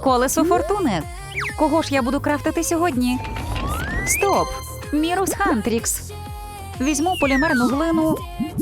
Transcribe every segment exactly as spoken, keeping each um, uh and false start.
Колесо фортуни. Кого ж я буду крафтити сьогодні? Стоп! Мірус Хантрікс. Візьму полімерну глину.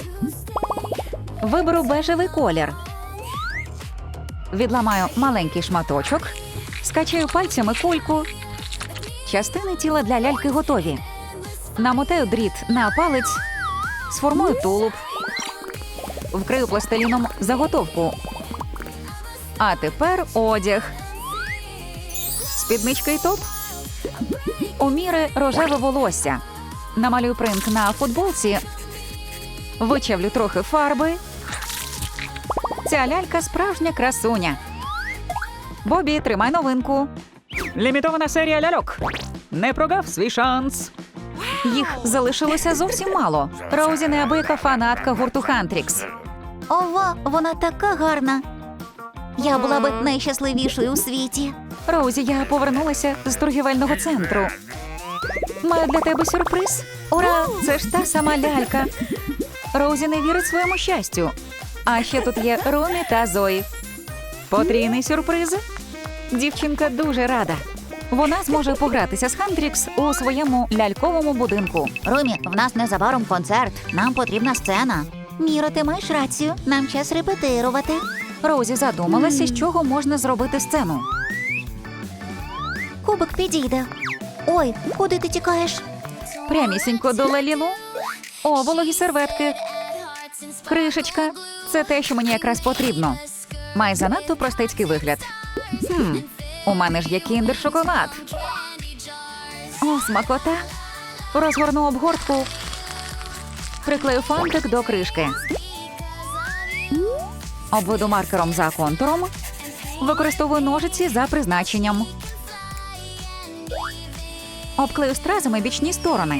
Виберу бежевий колір. Відламаю маленький шматочок. Скачаю пальцями кульку. Частини тіла для ляльки готові. Намотаю дріт на палець. Сформую тулуб. Вкрию пластиліном заготовку. А тепер одяг. Спідничка і топ. У Міри рожеве волосся. Намалюю принт на футболці. Вичавлю трохи фарби. Ця лялька справжня красуня. Бобі, тримай новинку. Лімітована серія ляльок. Не прогав свій шанс. Їх залишилося зовсім мало. Роузі неабияка фанатка гурту Хантрікс. Ова, вона така гарна. Я була би найщасливішою у світі. Роузі, я повернулася з торгівельного центру. Маю для тебе сюрприз. Ура! Це ж та сама лялька. Роузі не вірить своєму щастю. А ще тут є Ромі та Зої. Потрійний сюрприз. Дівчинка дуже рада. Вона зможе погратися з Хантрікс у своєму ляльковому будинку. Румі, в нас незабаром концерт. Нам потрібна сцена. Міро, ти маєш рацію. Нам час репетирувати. Роузі задумалася, з чого можна зробити сцену. Кубик підійде. Ой, куди ти тікаєш? Прямісінько до Лалілу. О, вологі серветки. Кришечка. Це те, що мені якраз потрібно. Має занадто простецький вигляд. Хм, у мене ж є кіндер-шоколад. О, смакота. Розгорну обгортку. Приклею фантик до кришки. Обведу маркером за контуром. Використовую ножиці за призначенням. Обклею стразами бічні сторони.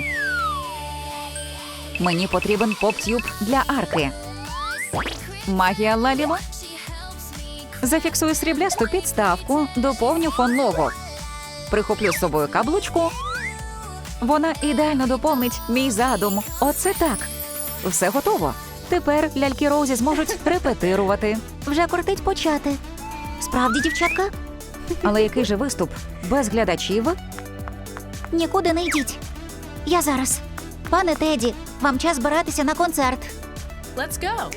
Мені потрібен поп-тюб для арки. Магія Лалілу. Зафіксую сріблясту підставку, доповню фон лого. Прихоплю з собою каблучку. Вона ідеально доповнить мій задум. Оце так. Все готово. Тепер ляльки Роузі зможуть репетирувати. Вже кортить почати. Справді, дівчатка? Але який же виступ? Без глядачів? Нікуди не йдіть. Я зараз. Пане Теді, вам час збиратися на концерт. Let's go.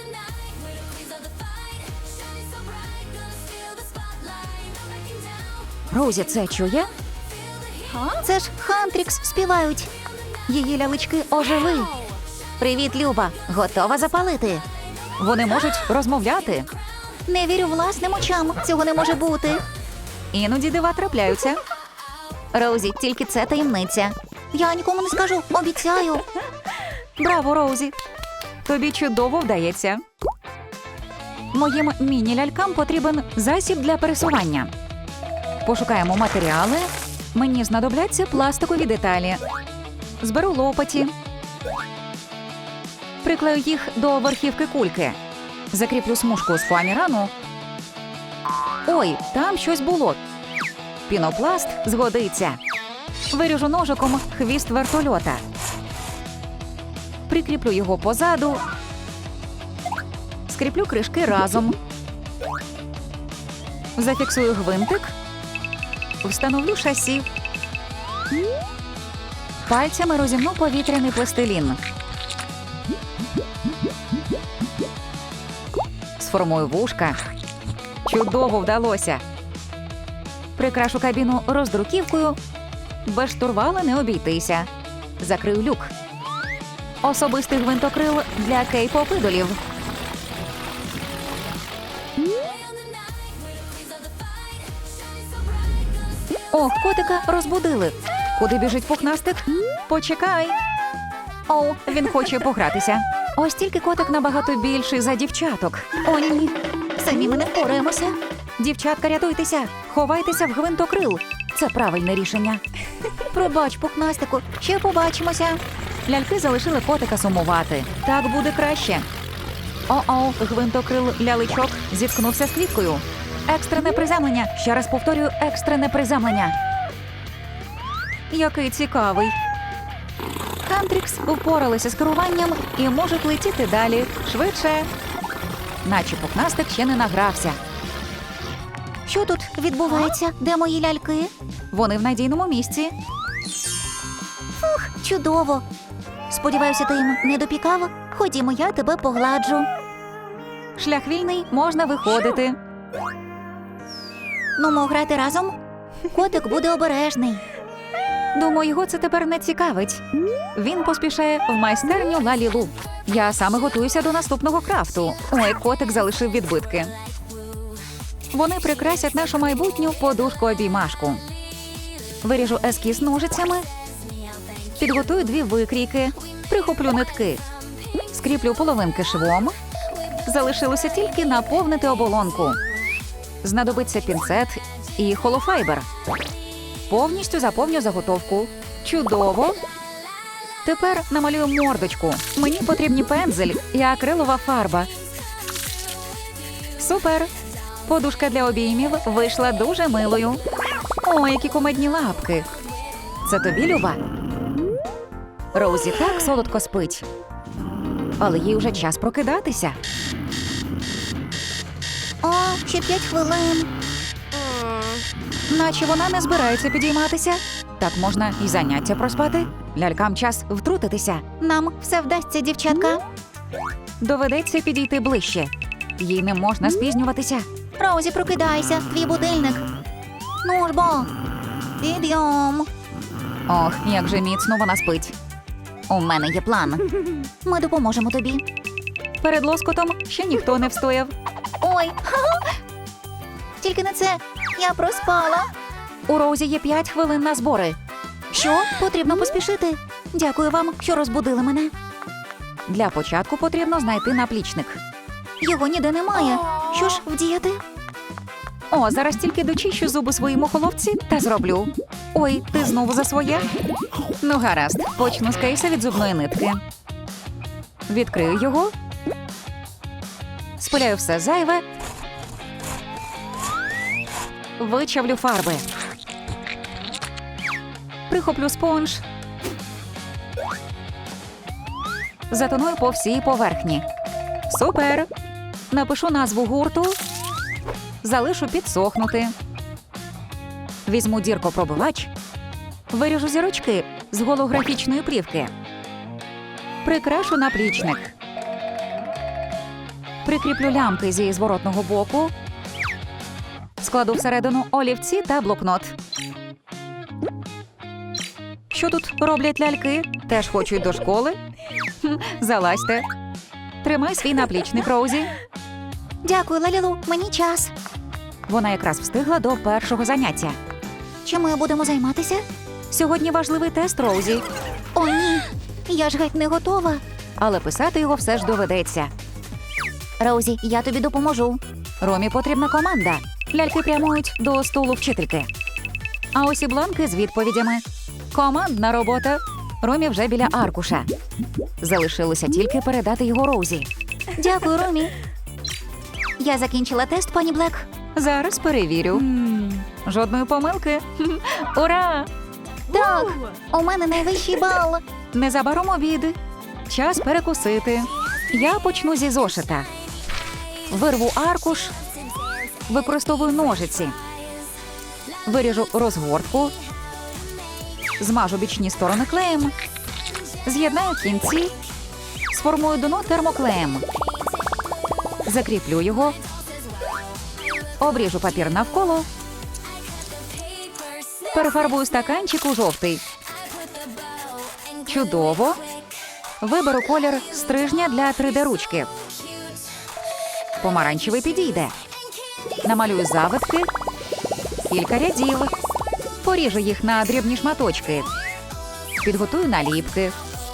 Роузі це чує? Це ж Хантрікс співають. Її лялечки ожили. Привіт, Люба. Готова запалити? Вони можуть розмовляти. Не вірю власним очам. Цього не може бути. Іноді дива трапляються. Роузі, тільки це таємниця. Я нікому не скажу, обіцяю. Браво, Роузі! Тобі чудово вдається. Моїм міні-лялькам потрібен засіб для пересування. Пошукаємо матеріали. Мені знадобляться пластикові деталі. Зберу лопаті. Приклею їх до верхівки кульки. Закріплю смужку з фоамірану. Ой, там щось було. Пінопласт згодиться. Виріжу ножиком хвіст вертольота. Прикріплю його позаду. Скріплю кришки разом. Зафіксую гвинтик. Встановлю шасі. Пальцями розімну повітряний пластилін. Сформую вушка. Чудово вдалося. Прикрашу кабіну роздруківкою. Без штурвала не обійтися. Закрию люк. Особистий гвинтокрил для кей-поп-ідолів. Ох, котика розбудили. Куди біжить пухнастик? Почекай. О, він хоче погратися. Ось тільки котик набагато більший за дівчаток. О, ні. Самі ми не впораємося. Дівчатка, рятуйтеся. Ховайтеся в гвинтокрил. Це правильне рішення. Пробач, пухнастику, ще побачимося. Ляльки залишили котика сумувати. Так буде краще. О-о, гвинтокрил ляличок зіткнувся з квіткою. Екстрене приземлення. Ще раз повторюю, екстрене приземлення. Який цікавий. Хантрікс впоралися з керуванням і можуть летіти далі. Швидше. Наче пухнастик ще не награвся. Що тут відбувається? Де мої ляльки? Вони в надійному місці. Фух, чудово. Сподіваюся, ти їм не допікав? Ходімо, я тебе погладжу. Шлях вільний, можна виходити. Ну, мо грати разом? Котик буде обережний. Думаю, його це тепер не цікавить. Він поспішає в майстерню Лалілу. Я саме готуюся до наступного крафту. Ой, котик залишив відбитки. Вони прикрасять нашу майбутню подушку-обіймашку. Виріжу ескіз ножицями. Підготую дві викрійки. Прихоплю нитки. Скріплю половинки швом. Залишилося тільки наповнити оболонку. Знадобиться пінцет і холофайбер. Повністю заповню заготовку. Чудово! Тепер намалюю мордочку. Мені потрібні пензель і акрилова фарба. Супер! Подушка для обіймів вийшла дуже милою. О, які кумедні лапки. Це тобі, Люба? Роузі так солодко спить. Але їй вже час прокидатися. О, ще п'ять хвилин. Наче вона не збирається підійматися. Так можна і заняття проспати. Лялькам час втрутитися. Нам все вдасться, дівчатка. Доведеться підійти ближче. Їй не можна спізнюватися. Роузі, прокидайся, твій будильник. Ну ж бо, підйом. Ох, як же міцно вона спить. У мене є план. Ми допоможемо тобі. Перед лоскотом ще ніхто не встояв. Ой, ха-ха. Тільки не це. Я проспала. У Роузі є п'ять хвилин на збори. Що? Потрібно поспішити. Дякую вам, що розбудили мене. Для початку потрібно знайти наплічник. Його ніде немає. Що ж вдіяти? О, зараз тільки дочищу зуби своїй мухоловці та зроблю. Ой, ти знову за своє? Ну, гаразд, почну з кейса від зубної нитки. Відкрию його. Спиляю все зайве. Вичавлю фарби. Прихоплю спонж. Затоную по всій поверхні. Супер! Напишу назву гурту. Залишу підсохнути. Візьму діркопробивач. Виріжу зірочки з голографічної плівки. Прикрашу наплічник. Прикріплю лямки зі зворотного боку. Складу всередину олівці та блокнот. Що тут роблять ляльки? Теж хочуть до школи? Хм, залазьте. Тримай свій наплічник, Роузі. Дякую, Лалілу, мені час. Вона якраз встигла до першого заняття. Чим ми будемо займатися? Сьогодні важливий тест, Роузі. О, ні. Я ж геть не готова. Але писати його все ж доведеться. Роузі, я тобі допоможу. Ромі потрібна команда. Ляльки прямують до столу вчительки. А ось і бланки з відповідями. Командна робота. Ромі вже біля аркуша. Залишилося тільки передати його Роузі. Дякую, Ромі. Я закінчила тест, пані Блек. Зараз перевірю. Жодної помилки. Ура! Так, у мене найвищий бал. Незабаром обід. Час перекусити. Я почну зі зошита. Вирву аркуш. Використовую ножиці. Виріжу розгортку. Змажу бічні сторони клеєм. З'єднаю кінці. Сформую дно термоклеєм. Закріплю його. Обріжу папір навколо. Перефарбую стаканчик у жовтий. Чудово. Виберу колір стрижня для три де-ручки. Помаранчевий підійде. Намалюю завитки. Кілька рядів. Поріжу їх на дрібні шматочки. Підготую наліпки.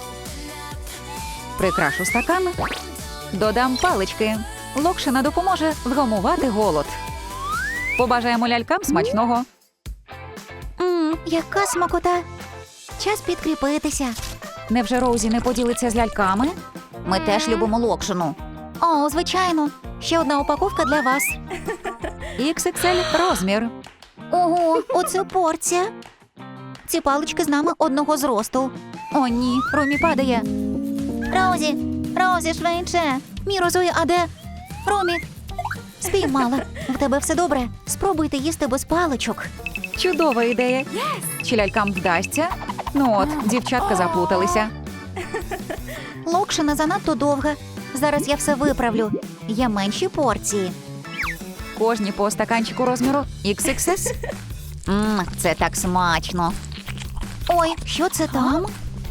Прикрашу стакан. Додам палички. Локшина допоможе вгамувати голод. Побажаємо лялькам смачного. Мм, яка смакота. Час підкріпитися. Невже Роузі не поділиться з ляльками? Ми теж любимо локшину. О, звичайно. Ще одна упаковка для вас. ікс ікс ель розмір. Ого, оце порція. Ці палички з нами одного зросту. О, ні, Ромі падає. Роузі, Роузі, швидше. Мій розує, а де? Ромі. Спіймала. В тебе все добре? Спробуйте їсти без паличок. Чудова ідея. Чи лялькам вдасться? Ну от, дівчатка заплуталися. Локшина занадто довга. Зараз я все виправлю. Є менші порції. Кожні по стаканчику розміру ікс ікс ес. Мм, це так смачно. Ой, що це там?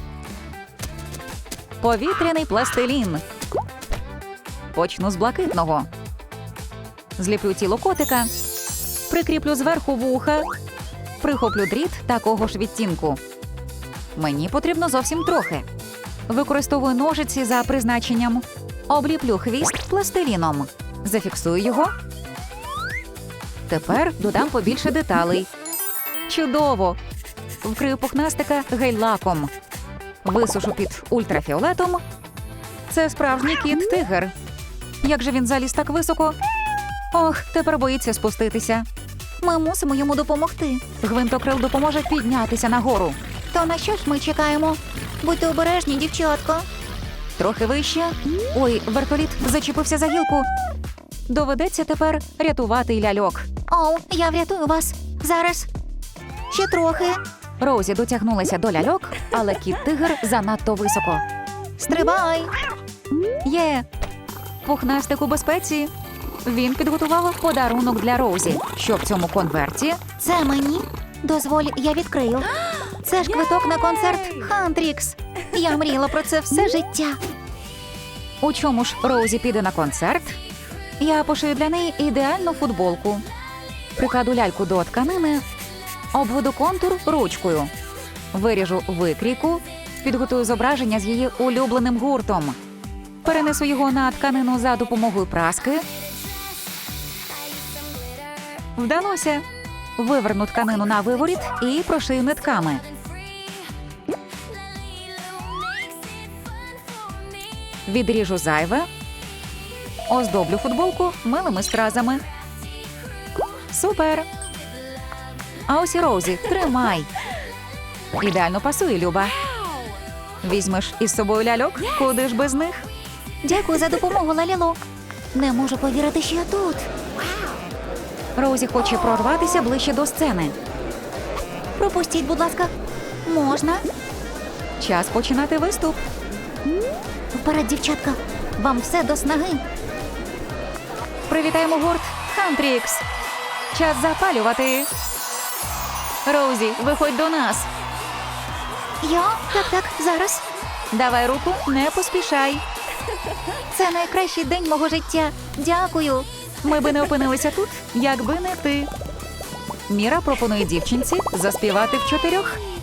Повітряний пластилін. Почну з блакитного. Зліплю тіло котика. Прикріплю зверху вуха. Прихоплю дріт такого ж відтінку. Мені потрібно зовсім трохи. Використовую ножиці за призначенням. Обліплю хвіст пластиліном. Зафіксую його. Тепер додам побільше деталей. Чудово! Вкрию пухнастика гель-лаком. Висушу під ультрафіолетом. Це справжній кіт-тигр. Як же він заліз так високо? Ох, тепер боїться спуститися. Ми мусимо йому допомогти. Гвинтокрил допоможе піднятися нагору. То на що ж ми чекаємо? Будьте обережні, дівчатко. Трохи вище. Ой, вертоліт зачепився за гілку. Доведеться тепер рятувати й ляльок. Оу, я врятую вас. Зараз. Ще трохи. Роузі дотягнулася до ляльок, але кіт-тигр занадто високо. Стрибай. Є! Пухнастик у безпеці. Він підготував подарунок для Роузі. Що в цьому конверті? Це мені. Дозволь, я відкрию. Це ж квиток на концерт Хантрікс. Я мріяла про це все життя. У чому ж Роузі піде на концерт? Я пошию для неї ідеальну футболку. Прикладу ляльку до тканини, обведу контур ручкою. Виріжу викрійку, підготую зображення з її улюбленим гуртом. Перенесу його на тканину за допомогою праски. Вдалося. Виверну тканину на виворіт і прошию нитками. Відріжу зайве. Оздоблю футболку милими стразами. Супер! А ось і Роузі, тримай. Ідеально пасує, Люба. Візьмеш із собою ляльок? Куди ж без них? Дякую за допомогу, Лалілу. Не можу повірити, що я тут. Роузі хоче прорватися ближче до сцени. Пропустіть, будь ласка. Можна? Час починати виступ. Вперед, дівчатка. Вам все до снаги. Привітаємо гурт Хантрікс. Час запалювати. Роузі, виходь до нас. Я? Так, так, зараз. Давай руку, не поспішай. Це найкращий день мого життя. Дякую. Ми би не опинилися тут, якби не ти. Міра пропонує дівчинці заспівати в чотирьох.